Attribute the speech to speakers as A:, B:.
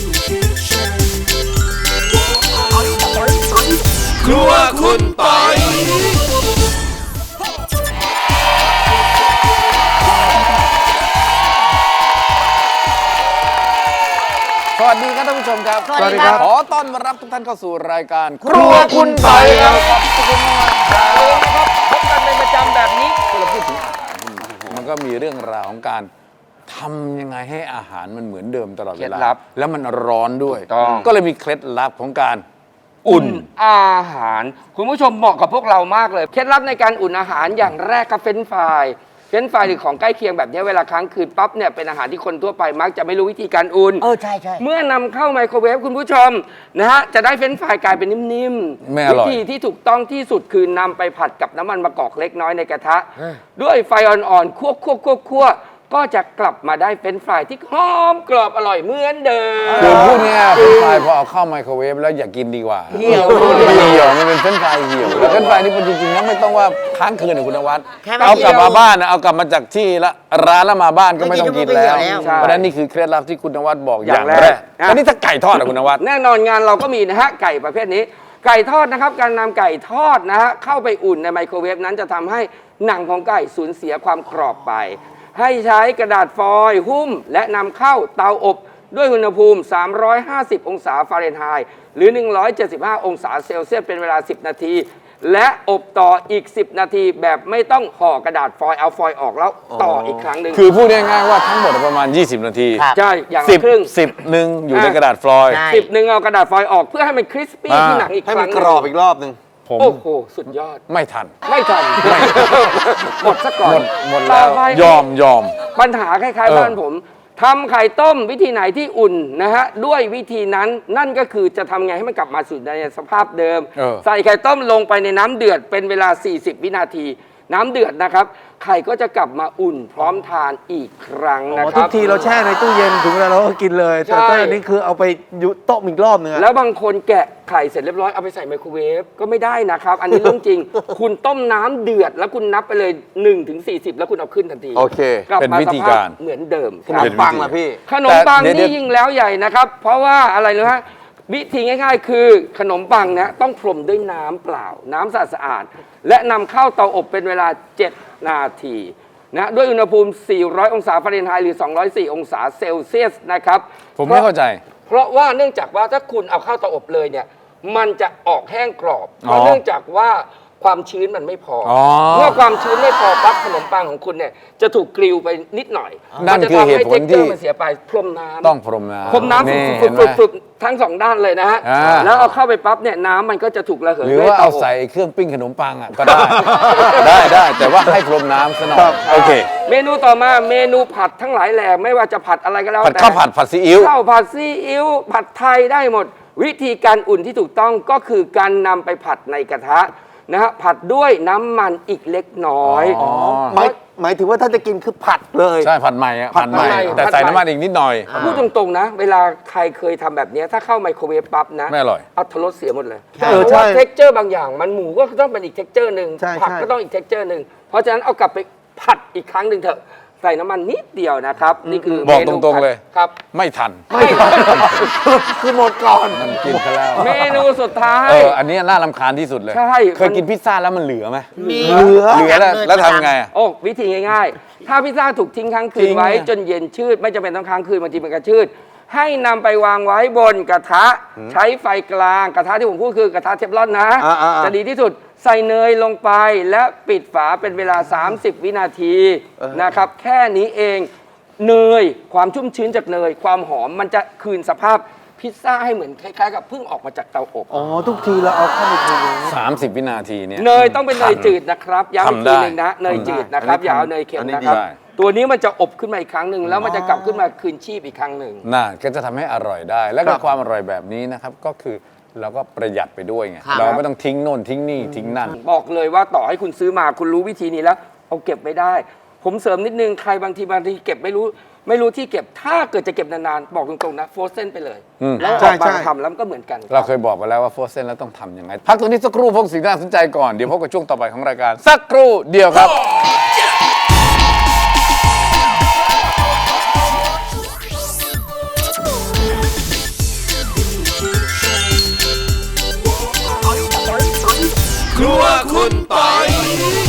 A: ครัวคุณปอยสวัสดีครับท่านผู้ชมครับ
B: สวัสดีครับ
A: ขอต้อนรับทุกท่านเข้าสู่รายการ
B: ครัวคุณปอยครับ
A: ขอบคุณมากครับพบกันเป็นประจำแบบนี้เราพูดถึงอาหารมันก็มีเรื่องราวของการทำยังไงให้อาหารมันเหมือนเดิมตลอดเวลาแล้วมันร้อนด้วยก็เลยมีเคล็ดลับของการอุ่น
C: อาหารคุณผู้ชมเหมาะกับพวกเรามากเลยเคล็ดลับในการอุ่นอาหารอย่างแรกครับเฟรนช์ฟรายหรือของใกล้เคียงแบบนี้เวลาค้างคืนปั๊บเนี่ยเป็นอาหารที่คนทั่วไปมักจะไม่รู้วิธีการอุ่น
B: ใช่
C: เมื่อนำเข้าไมโครเวฟคุณผู้ชมนะฮะจะได้เฟรนช์ฟรายกลายเป็นนิ่มๆวิธีที่ถูกต้องที่สุดคือนำไปผัดกับน้ำมันมะกอกเล็กน้อยในกระทะด้วยไฟอ่อนๆคั่วก็จะกลับมาได้เฟรนช์ฟรายที่หอมกรอบอร่อยเหมือนเดิม
A: คือพูดง่ายๆเฟรนช์ฟรายพอเอาเข้าไมโครเวฟแล้วอย่ากินดีกว่าเหี่ยวมันเป็นเฟรนช์ฟรายเหี่ยวเฟรนช์ฟรายนี่จริงๆนะไม่ต้องว่าค้างคืนนะคุณนวัดเอากลับมาบ้านนะเอากลับมาจากที่ละร้านแล้วมาบ้านก็ไม่ต้องกินแล้วเพราะฉะนั้นนี่คือเคล็ดลับที่คุณนวัดบอกอย่างแรกอันนี้ถ้าไก่ทอดนะคุณนวัด
C: แน่นอนงานเราก็มีนะฮะไก่ประเภทนี้ไก่ทอดนะครับการนำไก่ทอดนะฮะเข้าไปอุ่นในไมโครเวฟนั้นจะทำให้หนังของไก่สูญเสียความกรอบไปให้ใช้กระดาษฟอยล์หุ้มและนำเข้าเตาอบด้วยอุณหภูมิ350องศาฟาเรนไฮต์หรือ175องศาเซลเซียสเป็นเวลา10นาทีและอบต่ออีก10นาทีแบบไม่ต้องห่อกระดาษฟอยล์เอาฟอยล์ออกแล้วต่ออีกครั้งหนึ่ง
A: คือพูดง่ายๆว่าทั้งหมดประมาณ20นาที
C: ใช่อย่างละครึ่ง
A: 10นึงอยู่ในกระดาษฟอยล์
C: 10นึงเอากระดาษฟอยล์ออกเพื่อให้มันคริสปี้ที่หนังอีกครั้งให้มัน
D: กรอบอีกรอบนึง
C: โอ้โหสุดยอด
A: ไม่ทัน
C: หมดซะก่อน
A: หมดแล้วยอม
C: ปัญหาคล้ายๆบ้านผมทำไข่ต้มวิธีไหนที่อุ่นนะฮะด้วยวิธีนั้นนั่นก็คือจะทำไงให้มันกลับมาสู่ในสภาพเดิมใส่ไข่ต้มลงไปในน้ำเดือดเป็นเวลา40วินาทีน้ำเดือดนะครับไข่ก็จะกลับมาอุ่นพร้อมทานอีกครั้งนะครับ
D: ทุกทีเราแช่ในตู้เย็นถึงเวลาเราก็กินเลยแต่อันนี้คือเอาไปต้มอีกรอบนึง
C: แล้วบางคนแกะไข่เสร็จเรียบร้อยเอาไปใส่ไมโครเวฟก็ไม่ได้นะครับอันนี้เรื่องจริงคุณต้มน้ำเดือดแล้วคุณนับไปเลย1ถึง40แล้วคุณเอาขึ้นทันที
A: โอเค
C: เป็นวิธีการเหมือนเดิม
D: ขนมปังล่ะพี่
C: ขนมปังนี่ยิ่งแล้วใหญ่นะครับเพราะว่าอะไรรู้ฮะวิธีง่ายๆคือขนมปังนะต้องพรมด้วยน้ำเปล่าน้ำสะอาดและนำเข้าเตาอบเป็นเวลา7นาทีนะด้วยอุณหภูมิ400องศาฟาเรนไฮต์หรือ204องศาเซลเซียสนะครับ
A: ผมไม่เข้าใจ
C: เพราะว่าเนื่องจากว่าถ้าคุณเอาเข้าเตาอบเลยเนี่ยมันจะออกแห้งกรอบเพราะเนื่องจากว่าความชื้นมันไม่พอเมื่อความชื้นไม่พอปั๊บขนมปังของคุณเนี่ยจะถูกกริวไปนิดหน่อย
A: นั่นคือเหตุผลที่
C: มันเสียไปพรมน้ำ
A: ต้องพรมน้ำ
C: ฝึกทั้ง2ด้านเลยนะฮะแล้วเอาเข้าไปปั๊บเนี่ยน้ำมันก็จะถูกระเหย
A: หรือว่าเอาใส่เครื่องปิ้งขนมปังอ่ะก็ได้แต่ว่าให้พรมน้ำซะหน่อยโอเค
C: เมนูต่อมาเมนูผัดทั้งหลายแหล่ไม่ว่าจะผัดอะไรก็แล้ว
A: แต่ข้าวผัดซีอิ๊ว
C: ข้าวผัดซีอิ๊วผัดไทยได้หมดวิธีการอุ่นที่ถูกต้องก็คือการนำไปผัดในกระทะนะฮะผัดด้วยน้ำมันอีกเล็กน้อย
D: หมายถึงว่าถ้าจะกินคือผัดเลย
A: ใช่ผัดใหม่แต่ใส่น้ำมันอีกนิดหน่อย
C: พูดตรงๆนะเวลาใครเคยทำแบบนี้ถ้าเข้าไมโครเวฟปั๊บนะ
A: ไม่อร่อย
C: อัตรสเสียหมดเลยเพราะว่าเท็กเจอร์บางอย่างมันหมูก็ต้องเป็นอีกเท็กเจอร์หนึ่งผักก็ต้องอีกเท็กเจอร์หนึ่งเพราะฉะนั้นเอากลับไปผัดอีกครั้งหนึ่งเถอะใส่น้ำมันนิดเดียวนะครับนี่คือ
A: บอกตรงๆเลย
C: ครับ
A: ไม่ทัน
D: คือหมดก่อน
A: มันกินไปแล้ว
C: เมนูสุดท้าย
A: อันนี้น่ารำคาญที่สุดเลยเคยกินพิซซ่าแล้วมันเหลือไหม
D: เหลือ
A: แล้วทำไง
C: โอ้วิธีง่ายๆถ้าพิซซ่าถูกทิ้งค้างคืนไว้จนเย็นชืดไม่จำเป็นต้องค้างคืนบางทีมันก็ชืดให้นำไปวางไว้บนกระทะใช้ไฟกลางกระทะที่ผมพูดคือกระทะเทฟลอนนะจะดีที่สุดใส่เนยลงไปและปิดฝาเป็นเวลา30วินาทีนะครับแค่นี้เองเนยความชุ่มชื้นจากเนยความหอมมันจะคืนสภาพพิซซ่าให้เหมือนคล้ายๆกับเพิ่งออกมาจากเตาอบ
D: ทุกทีเราเอาเข้าไป
A: 30วินาทีเนี่ย
C: เนยต้องเป็นเนยจืดนะครับย้ำอีกทีนึงนะเนยจืดนะครับอย่าเอาเนยเค็มนะครับตัวนี้มันจะอบขึ้นมาอีกครั้งหนึ่งแล้วมันจะกลับขึ้นมาคืนชีพอีกครั้งหนึ่ง
A: น่าก็จะทำให้อร่อยได้และก็ความอร่อยแบบนี้นะครับก็คือเราก็ประหยัดไปด้วยไงเราไม่ต้องทิ้งโน่นทิ้งนี่ทิ้งนั่น
C: บอกเลยว่าต่อให้คุณซื้อมาคุณรู้วิธีนี้แล้วเอาเก็บไว้ได้ผมเสริมนิดนึงใครบางทีเก็บไม่รู้ที่เก็บถ้าเกิดจะเก็บนานๆบอกตรงๆนะโฟร์เซนไปเลยแล้วออกมาทำแล้วก็เหมือนกัน
A: เราเคยบอกไปแล้วว่าโฟร์เซนแล้วต้องทำยังไงพักตรงนี้สักครู่พวกสิ่งที่น่าสนใจก่อนเดี๋ยวพบกับช่วงต่อไปของรายการสักครู่เดียวครับ
E: ค
B: ครัวคุณปอย